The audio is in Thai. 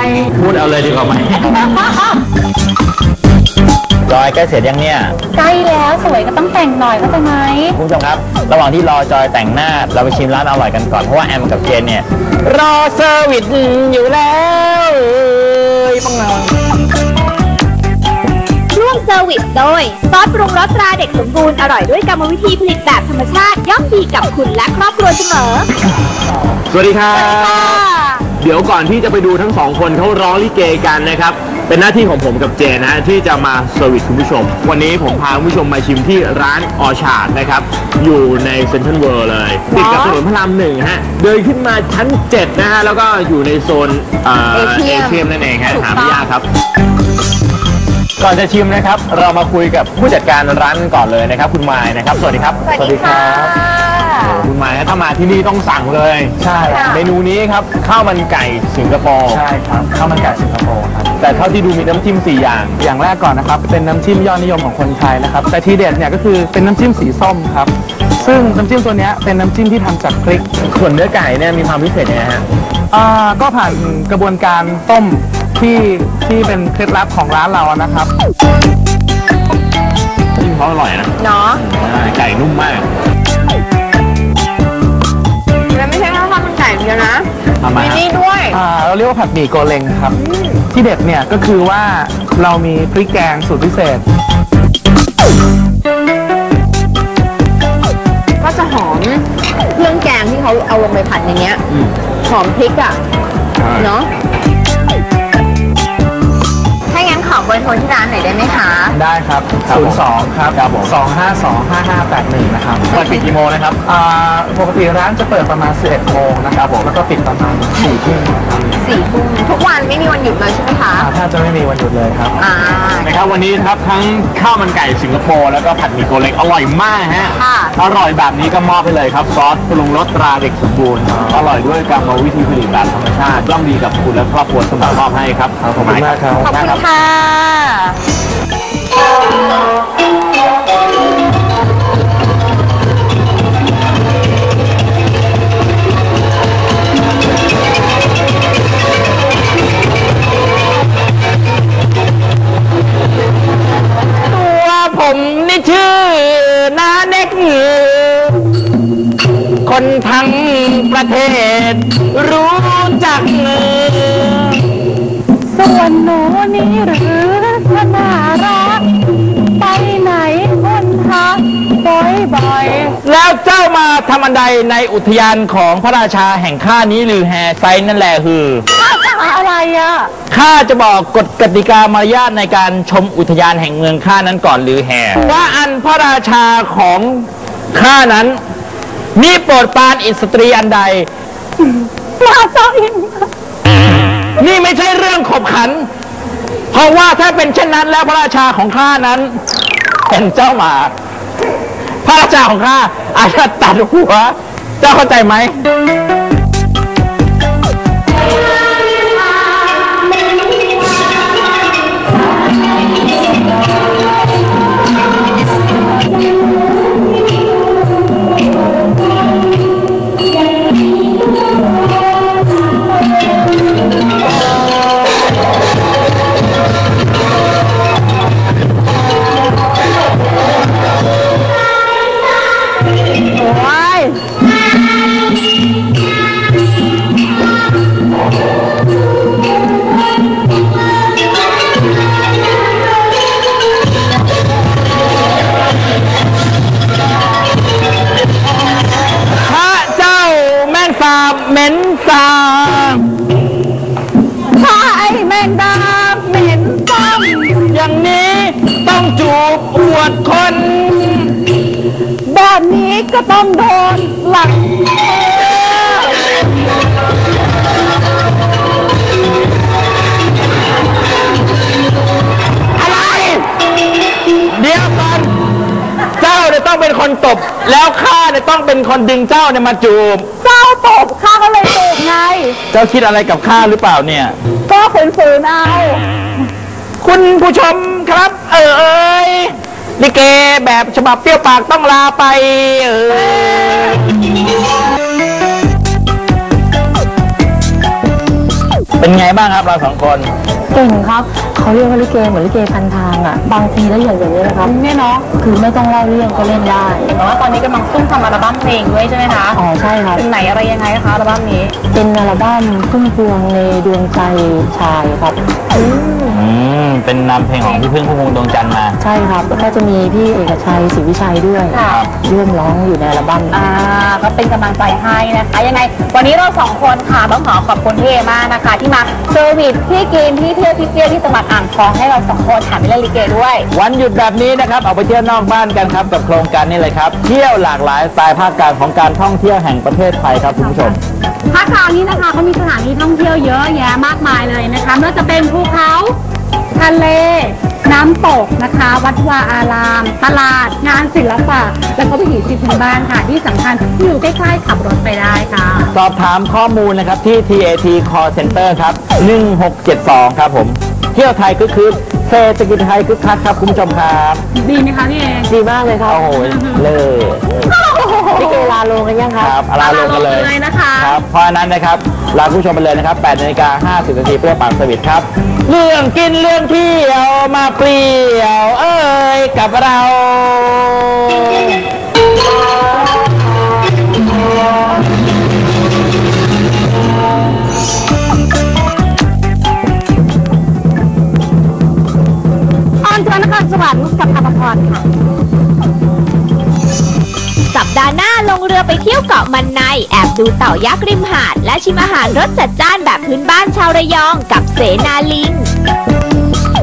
พูดเอาเลยดีกว่าไหมจอยใกล้เสร็จยังเนี่ยใกล้แล้วสวยก็ต้องแต่งหน่อยเข้าใจไหมคุณผู้ชมครับระหว่างที่รอจอยแต่งหน้าเราไปชิมร้านอร่อยกันก่อนเพราะว่าแอมกับเจนเนี่ยรอเซอร์วิสอยู่แล้วปังเงาร่วมเซอร์วิสโดยซอสปรุงรสตราเด็กสมบูรณ์อร่อยด้วยกรรมวิธีผลิตแบบธรรมชาติย่อมดีกับคุณและครอบครัวเสมอสวัสดีครับเดี๋ยวก่อนที่จะไปดูทั้งสองคนเขาร้องลิเกกันนะครับเป็นหน้าที่ของผมกับเจนนะที่จะมาเซอร์วิสคุณผู้ชมวันนี้ผมพาคุณผู้ชมมาชิมที่ร้านออชาร์ดนะครับอยู่ในเซ็นทรัลเวิลด์เลยติดกับถนนพระราม1ฮะเดินขึ้นมาชั้น7นะฮะแล้วก็อยู่ในโซนเอเชียนั่นเองฮะหาไม่ยากครับก่อนจะชิมนะครับเรามาคุยกับผู้จัดการร้านก่อนเลยนะครับคุณมายนะครับสวัสดีครับสวัสดีค่ะคุณมายถ้ามาที่นี่ต้องสั่งเลยใช่เมนูนี้ครับข้าวมันไก่สิงคโปร์ใช่ครับข้าวมันไก่สิงคโปร์ครับแต่เท่าที่ดูมีน้ำจิ้ม4อย่างแรกก่อนนะครับเป็นน้ำจิ้มยอดนิยมของคนไทยนะครับแต่ทีเด็ดเนี่ยก็คือเป็นน้ำจิ้มสีส้มครับซึ่งน้ำจิ้มตัวนี้เป็นน้ำจิ้มที่ทำจากพริกส่วนเนื้อไก่เนี่ยมีความพิเศษยังไงฮะก็ผ่านกระบวนการต้มที่เป็นเคล็ดลับของร้านเรานะครับจิ้มเขาอร่อยนะเนาะไก่นุ่มมากแล้วไม่ใช่แค่ข้าวมันไก่เดียวนะมีนี่ด้วยเราเรียกว่าผัดหมี่โกเลงครับที่เด็ดเนี่ยก็คือว่าเรามีพริกแกงสูตรพิเศษก็จะหอมเครื่องแกงที่เขาเอาลงไปผัดในเนี้ยหอมพริกอ่ะเนาะถ้างั้นขอเบอร์โทรที่ร้านหน่อยได้ไหมคะได้ครับ02ครับ2525581นะครับเปิดปิดกี่โมงนะครับปกติร้านจะเปิดประมาณ11 โมงนะครับผมแล้วก็ปิดประมาณ4 ทุ่มครับ 4 ทุ่มทุกวันไม่มีวันหยุดเลยใช่ไหมคะถ้าจะไม่มีวันหยุดเลยครับนะครับวันนี้ครับทั้งข้าวมันไก่สิงคโปร์แล้วก็ผัดหมี่โกเล็กอร่อยมากฮะอร่อยแบบนี้ก็มอบไปเลยครับซอสปรุงรสตราเด็กสมบูรณ์อร่อยด้วยกรรมวิธีผลิตแบบธรรมชาติย่อมดีกับคุณและครอบครัวเสมอมอบให้ครับขอบคุณมากครับขอบคุณค่ะผมนี่ชื่อนาเน็กคนทั้งประเทศรู้จักส่วนหนูนี่หรือขนารักไปไหนคนทักบ่อยๆแล้วเจ้ามาทำอันใดในอุทยานของพระราชาแห่งข้านี้หรือแฮไซนั่นแหละคือข้าจะอะไรอ่ะข้าจะบอกกฎกติกามารยาทในการชมอุทยานแห่งเมืองข้านั้นก่อนหรือแฮว่าอันพระราชาของข้านั้นมีโปรดปรานอิสตรีอันใดมาจ้าอินนี่ไม่ใช่เรื่องขบขันเพราะว่าถ้าเป็นเช่นนั้นแล้วพระราชาของข้านั้นเป็นเจ้าหมาพระราชาของข้าอาจจะตัดหัวเจ้าเข้าใจไหมเหม็นสาบใช่แมงดาเหม็นซ้ำอย่างนี้ต้องจูบอวดคนแบบนี้ก็ต้องโดนหลักอะไรเดี๋ยวก่อนเจ้าเนี่ยต้องเป็นคนตบแล้วข้าเนี่ยต้องเป็นคนดึงเจ้าเนี่ยมาจูบเจ้าตบข้าก็เลยตบไงเจ้าคิดอะไรกับข้าหรือเปล่าเนี่ยก็ฝืนๆเอาคุณผู้ชมครับลิเกแบบฉบับเปรี้ยวปากต้องลาไปเป็นไงบ้างครับเราสองคนเก่งครับเขาเรียกว่าลิเกเหมือนลิเกพันทางอ่ะบางทีละเอียดอย่างนี้นะครับเนี่ยเนาะคือไม่ต้องเล่าเรื่องก็เล่นได้เห็นว่าตอนนี้กำลังซุ่มทำอัลบั้มเพลงด้วยใช่ไหมคะอ๋อใช่ครับเป็นไหนอะไรยังไงคะอัลบั้มนี้เป็นอัลบั้มพุ่มพวงในดวงใจชายครับเป็นนำเพลงของพี่พึ่งพุ่มพวงดวงจันทร์มาใช่ครับแล้วก็จะมีพี่เอกชัยศรีวิชัยด้วยร่วมร้องอยู่ในอัลบั้มก็เป็นกำลังใจให้นะคะยังไงวันนี้เราสองคนค่ะต้องขอบคุณพี่เอมากนะคะที่มาเซอร์วิสที่กินที่เที่ยวที่เที่ยวที่จังหวัดอ่างทองให้เราสองคนถามเล่นลิเกด้วยวันหยุดแบบนี้นะครับออกไปเที่ยวนอกบ้านกันครับกับโครงการนี้เลยครับเที่ยวหลากหลายสไตล์ภาคกลางของการท่องเที่ยวแห่งประเทศไทยครับคุณผู้ชมภาคกลางนี้นะคะเขามีสถานที่ท่องเที่ยวเยอะแยะมากมายเลยนะคะไม่ว่าจะเป็นภูเขาทะเลน้ำตกนะคะวัดวาอารามตลาดงานศิลปะแล้วก็วิถีชีวิตพื้นบ้านค่ะที่สำคัญอยู่ใกล้ๆขับรถไปได้ค่ะสอบถามข้อมูลนะครับที่ TAT Call Center ครับ1672ครับผมเที่ยวไทยก็คือเศรษฐกิจไทยคึกคักครับคุณผู้ชมครับดีไหมคะพี่เอดีมากเลยครับโอ้โหเลยพี่เกลาลงกันยังครับลาลงกันเลยนะคะครับเพราะฉะนั้นนะครับลาผู้ชมไปเลยนะครับ 8:50 น.เพื่อปากสวิตครับเรื่องกินเรื่องเที่ยวมาเปลี่ยวเอ้ยกับเราสวรรค์กับอภพรค่ะสัปดาห์หน้าลงเรือไปเที่ยวเกาะมันในแอบดูเต่ายักษ์ริมหาดและชิมอาหารรสจัดจ้านแบบพื้นบ้านชาวระยองกับเสนาลิง